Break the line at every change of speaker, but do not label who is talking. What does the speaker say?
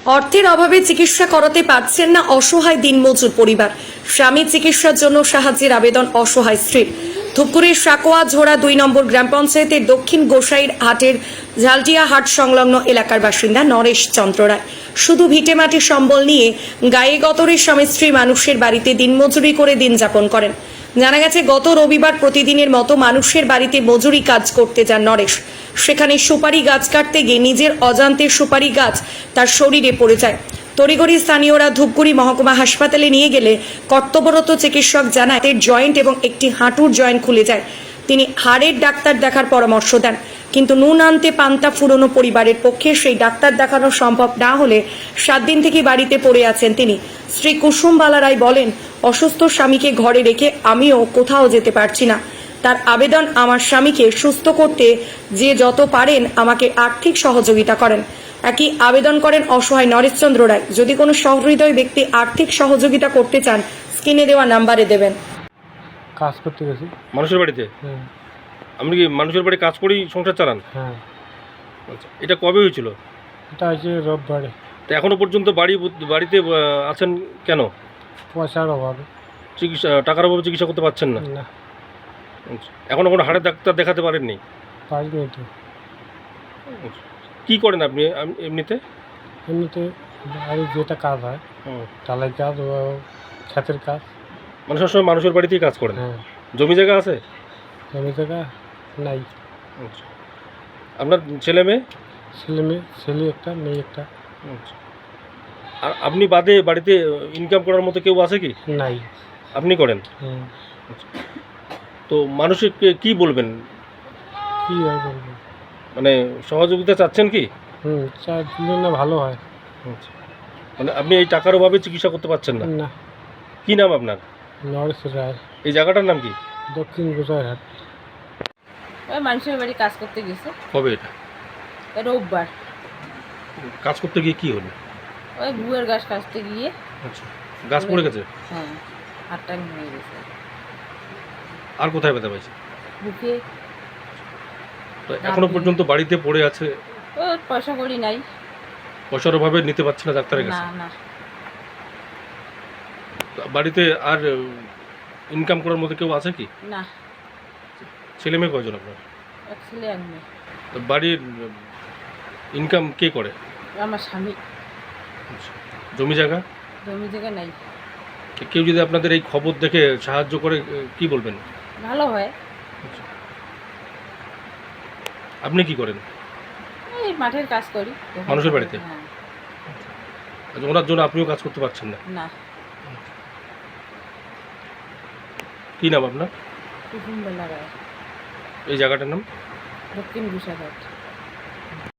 অর্থের অভাবে চিকিৎসা করাতে পারছেন না অসহায় দিনমজুর পরিবার। স্বামী চিকিৎসার জন্য সাহায্যের আবেদন অসহায় স্ত্রীর। ধূপগুড়ির সাকোয়া ঝোড়া 2 নম্বর গ্রাম পঞ্চায়েতের দক্ষিণ গোসাইর হাটের ঝালটিয়া হাট সংলগ্ন এলাকার বাসিন্দা নরেশ চন্দ্র রায় শুধু ভিটেমাটি সম্বল নিয়ে গায়ে গতরে স্বামী স্ত্রী মানুষের বাড়িতে দিনমজুরি করে দিন যাপন করেন। জানা গেছে গত রবিবার প্রতিদিনের মতো মানুষের বাড়িতে মজুরি কাজ করতে যান নরেশ। সেখানে সুপারি গাছ কাটতে গিয়ে নিজের অজান্তে সুপারি গাছ তার শরীরে পড়ে যায়। তড়িঘড়ি স্থানীয়রা ধূপগুড়ি মহকুমা হাসপাতালে নিয়ে গেলে কর্তব্যরত চিকিৎসক জানায় তার জয়েন্ট এবং একটি হাঁটুর জয়েন্ট খুলে যায়। তিনি হাড়ের ডাক্তার দেখার পরামর্শ দেন, কিন্তু নুন আনতে পান্তা ফুরোনো পরিবারের পক্ষে সেই ডাক্তার দেখানো সম্ভব না হলে 7 দিন থেকে বাড়িতে পড়ে আছেন তিনি। শ্রী কুসুম বালা রায় বলেন, অসুস্থ স্বামীকে ঘরে রেখে আমিও কোথাও যেতে পারছি না। তার আবেদন, আমার স্বামীকে সুস্থ করতে যে যত পারেন আমাকে আর্থিক সহযোগিতা করেন। একই আবেদন করেন অসহায় নরেশচন্দ্র রায়। যদি কোনো সহৃদয় ব্যক্তি আর্থিক সহযোগিতা করতে চান স্ক্রিনে দেওয়া নাম্বারে দেবেন।
কাজ করতে গেছি
মানুষের বাড়িতে।
হ্যাঁ
আপনি কি মানুষের বাড়ি কাজ করেই সংসার চালান?
হ্যাঁ
আচ্ছা, এটা কবে হয়েছিল?
এটা হচ্ছে রোববারে।
তো এখনো পর্যন্ত বাড়িতে আছেন কেন?
পয়সার অভাবে।
চিকিৎসা টাকার অভাবে চিকিৎসা করতে পারছেন না?
না,
আচ্ছা, এখনো কোনো হাড়ের ডাক্তার দেখাতে পারেননি?
পারিনি তো।
আচ্ছা, কী করেন আপনি এমনিতে?
এমনিতে বাড়ির যেটা কাজ হয়, ঢালাই কাজ ও ক্ষেতের কাজ।
মানে সবসময় মানুষের বাড়িতেই কাজ করেন?
হ্যাঁ।
জমি জায়গা আছে?
জমি জায়গা নাই।
আচ্ছা, আপনার ছেলে মেয়ে?
ছেলে একটা, মেয়ে একটা।
আচ্ছা, আর আপনি বাদে বাড়িতে ইনকাম করার মতো কেউ আছে কি?
নাই।
আপনি করেন?
হুম।
আচ্ছা, তো মানুষকে কি বলবেন?
কী আর বলবো?
মানে সহযোগিতা চাচ্ছেন কি?
চার জন্য ভালো হয়।
আচ্ছা, মানে আপনি এই টাকার অভাবে চিকিৎসা করতে পারছেন না?
না।
কি নাম আপনার?
নরেশ রায়,
এই জায়গাটার নাম কি?
দক্ষিণ গোসাইরহাট।
ওই মানুষের বাড়ি কাজ করতে গেছে
কবে এটা?
রোববার।
কাজ করতে গিয়ে কি হলো?
ওই গুয়ের গাছ কাটতে গিয়ে
আচ্ছা, গাছ পড়ে গেছে?
হ্যাঁ, হাতটা ভেঙে গেছে।
আর কোথায় ব্যথা পাইছে?
বুকে।
তো এখনো পর্যন্ত বাড়িতে পড়ে আছে?
ও পয়সা করি নাই।
পয়সার অভাবে নিতে পারছে না ডাক্তারের
না
কাছে?
না,
তো বাড়িতে আর ইনকাম করার মতো কেউ আছে কি?
না।
ছেলে মেয়ে কয়জন আপনার?
এক ছেলে এক মেয়ে।
তো বাড়ির ইনকাম কে করে?
আমার স্বামী।
আচ্ছা, জমি জায়গা?
জমি জায়গা নাই।
তো কেউ যদি আপনাদের এই খবর দেখে সাহায্য করে কি বলবেন?
ভালো হয়।
আচ্ছা, আপনি কি করেন?
এই মাঠের কাজ করি
মানুষের বাড়িতে?
হ্যাঁ।
আচ্ছা, ওনার জন্য আপনিও কাজ করতে পারছেন না?
না।
কি নাম আপনার?
কুসুম বেলা রায়,
এই জায়গাটার নাম?
দক্ষিণ গোসাইরহাট।